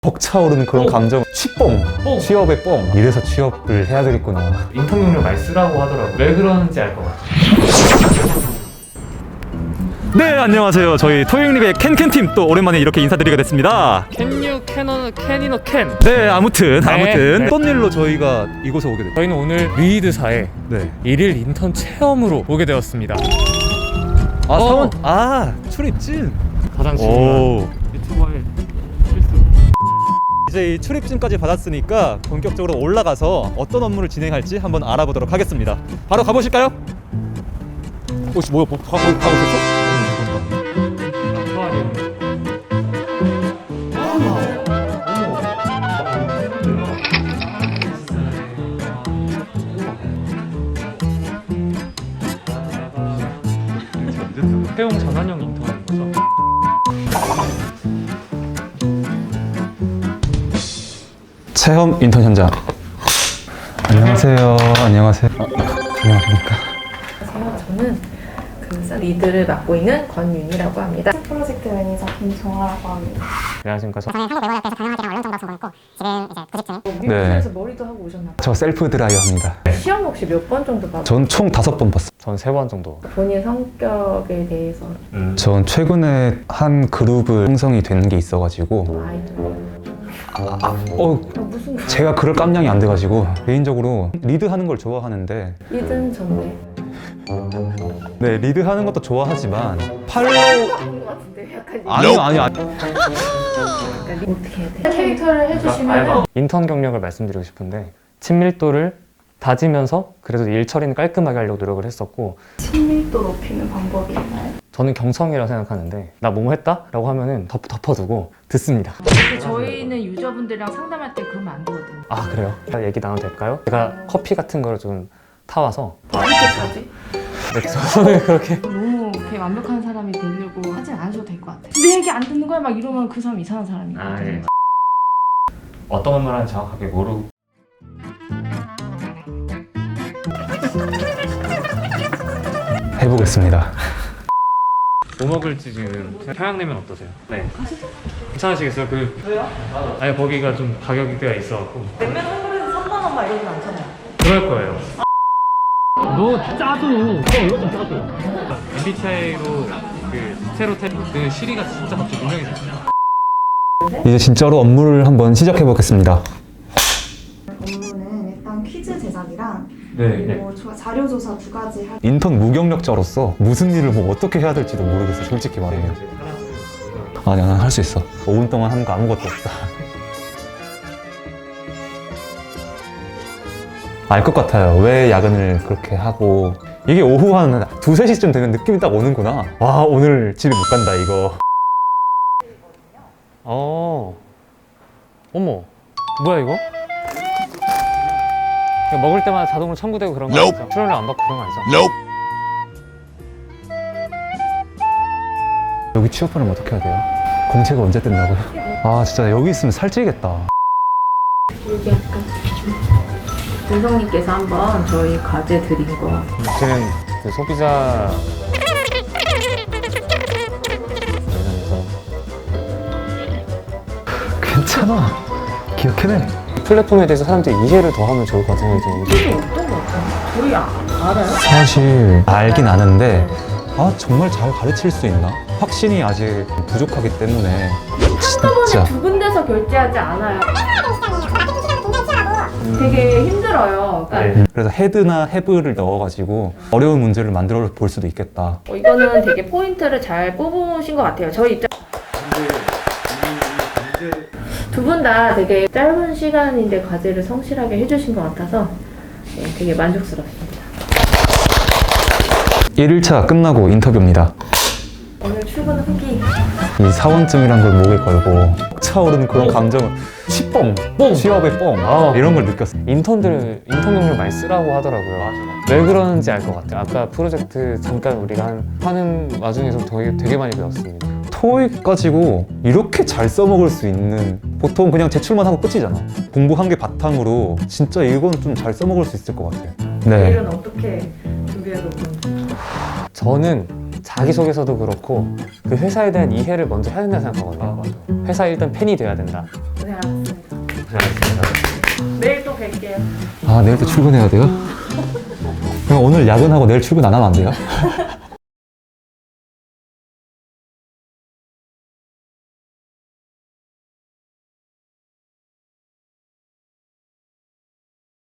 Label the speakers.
Speaker 1: 벅차오르는 그런 감정. 취뻥! 취업의 뻥! 이래서 취업을 해야 되겠구나.
Speaker 2: 인턴 경력 많이 쓰라고 하더라고요. 왜 그런지 알 것 같아요.
Speaker 1: 네, 안녕하세요. 저희 토익립의 캔캔팀 또 오랜만에 이렇게 인사드리게 됐습니다.
Speaker 2: 캔유 캐니너 캔.
Speaker 1: 네, 아무튼
Speaker 2: 네.
Speaker 1: 어떤 일로 저희가 이곳에 오게 됐죠?
Speaker 2: 저희는 오늘 리드사에
Speaker 1: 네.
Speaker 2: 1일 인턴 체험으로 오게 되었습니다.
Speaker 1: 아, 사원, 출입진.
Speaker 2: 가장
Speaker 1: 오.
Speaker 2: 중요한 유튜버의 필수.
Speaker 1: 이제 이 출입증까지 받았으니까 본격적으로 올라가서 어떤 업무를 진행할지 한번 알아보도록 하겠습니다. 바로 가보실까요? 혹시 가고 있었어?
Speaker 2: 채용 전환형 인턴인 거죠.
Speaker 1: 체험 인턴 현장. 안녕하세요. 안녕하세요. 안녕하십니까.
Speaker 3: 저는 그 리드를 맡고 있는 권윤이라고 합니다.
Speaker 4: 프로젝트 매니저 김정아라고 합니다.
Speaker 2: 안녕하십니까.
Speaker 5: 저는 한국외국어학과에서 경영학이랑 원룸 정도 전공했고 지금 이제 구직중.
Speaker 3: 미국에서 머리도 하고 오셨나 봐요.
Speaker 1: 저 셀프 드라이어 합니다.
Speaker 3: 시험 혹시 몇 번 정도 봐요?
Speaker 1: 전 총 5번 봤어요.
Speaker 2: 전 3번 정도.
Speaker 3: 본인 성격에 대해서
Speaker 1: 전 최근에 한 그룹을 형성이 된 게 있어가지고
Speaker 3: 아이돌 무슨
Speaker 1: 제가 그럴 깜냥이 안 돼가지고 개인적으로 리드하는 걸 좋아하는데
Speaker 3: 리드는 전데
Speaker 1: 네, 리드하는 것도 좋아하지만 팔로우
Speaker 3: 아닌 것 같은데 약간
Speaker 1: 아니요
Speaker 3: 약간 어떻게 해야 돼? 캐릭터를 해주시면
Speaker 2: 인턴 경력을 말씀드리고 싶은데 친밀도를 다지면서 그래도 일 처리는 깔끔하게 하려고 노력을 했었고,
Speaker 4: 친밀도 높이는 방법이 있나요?
Speaker 2: 저는 경성이라고 생각하는데 나 뭐뭐 했다? 라고 하면은 덮어두고 듣습니다.
Speaker 6: 저희는 유저분들이랑 상담할 때 그러면 안 되거든요.
Speaker 2: 아, 그래요? 얘기 나눠도 될까요? 제가 커피 같은 거를 좀 타와서
Speaker 3: 어디까지?
Speaker 2: 네, 저는 그렇게
Speaker 6: 너무 이렇게 완벽한 사람이 되려고 하진 않으셔도 될 것 같아요. 내 얘기 안 듣는 거야? 막 이러면 그 사람 이상한 사람이거든요.
Speaker 2: 어떤 업무를 하는지 정확하게 모르고
Speaker 1: 해보겠습니다.
Speaker 2: 뭐 먹을지 지금 평양냉면 어떠세요? 네. 괜찮으시겠어요? 왜요? 아니 거기가 좀 가격대가 있어갖고
Speaker 6: 냉면 한 그릇에 3만 원 막 이러진 않잖아요.
Speaker 2: 그럴 거예요. 너 짜도 이거 좀 짜도 MBTI로 그 스테로타입 그 시리가 진짜 갑자기 유명해졌어요.
Speaker 1: 이제 진짜로 업무를 한번 시작해 보겠습니다.
Speaker 4: 업무는 일단 퀴즈 제작이랑
Speaker 1: 네.
Speaker 4: 그리고 자료 조사 2가지 할
Speaker 1: 인턴 무경력자로서 무슨 일을 뭐 어떻게 해야 될지도 모르겠어, 솔직히 말하면. 아니야, 난 할 수 있어. 5분 동안 하는 거 아무것도 없다. 알 것 같아요. 왜 야근을 그렇게 하고. 이게 오후 한 2, 3시쯤 되면 느낌이 딱 오는구나. 와, 오늘 집에 못 간다, 이거.
Speaker 2: 어머, 뭐야 이거? 이거 먹을 때마다 자동으로 첨부되고 그런 거 아니죠? 출연료 안 받고 그런 거 아니죠?
Speaker 1: 여기 취업하려면 어떻게 해야 돼요? 공채가 언제 뜬다고요? 아, 진짜 여기 있으면 살찌겠다.
Speaker 3: 여기 약간 윤성님께서 한번 저희 과제 드린 거
Speaker 2: 저는 그 소비자 관련해서
Speaker 1: 괜찮아. 기억해내.
Speaker 2: 플랫폼에 대해서 사람들이 이해를 더 하면 좋을 것 같은 생각이 듭니다.
Speaker 3: 이게 어떤 거 같아요? 저희 알아요?
Speaker 1: 사실 알긴 아는데 정말 잘 가르칠 수 있나? 확신이 아직 부족하기 때문에 진짜
Speaker 3: 두 군데서 결제하지 않아요. 되게 힘들어요. 그러니까
Speaker 1: 그래서 헤드나 해브를 넣어가지고 어려운 문제를 만들어 볼 수도 있겠다.
Speaker 3: 이거는 되게 포인트를 잘 뽑으신 것 같아요. 저희 입장 두 분 다 되게 짧은 시간인데 과제를 성실하게 해주신 것 같아서 되게 만족스럽습니다.
Speaker 1: 1일차 끝나고 인터뷰입니다.
Speaker 3: 오늘 출근 후기
Speaker 1: 이 사원증이란 걸 목에 걸고 차오르는 그런 감정을 취뻥! 취업의 뻥! 이런 걸 느꼈어요.
Speaker 2: 인턴 경력 많이 쓰라고 하더라고요. 왜 그러는지 알 것 같아요. 아까 프로젝트 잠깐 우리가 하는 와중에서 되게 많이 배웠습니다.
Speaker 1: 토익 가지고 이렇게 잘 써먹을 수 있는, 보통 그냥 제출만 하고 끝이잖아. 공부한 게 바탕으로 진짜 이건 좀 잘 써먹을 수 있을 것 같아요. 네.
Speaker 3: 내일은 어떻게 준비해서 오는지
Speaker 2: 저는 자기소개서도 그렇고 그 회사에 대한 이해를 먼저 해야 된다고 생각하거든요. 회사에 일단 팬이 돼야 된다.
Speaker 3: 고생하셨습니다.
Speaker 2: 고생하셨습니다.
Speaker 3: 내일 또 뵐게요.
Speaker 1: 아, 내일 또 출근해야 돼요? 그럼 오늘 야근하고 내일 출근 안 하면 안 돼요?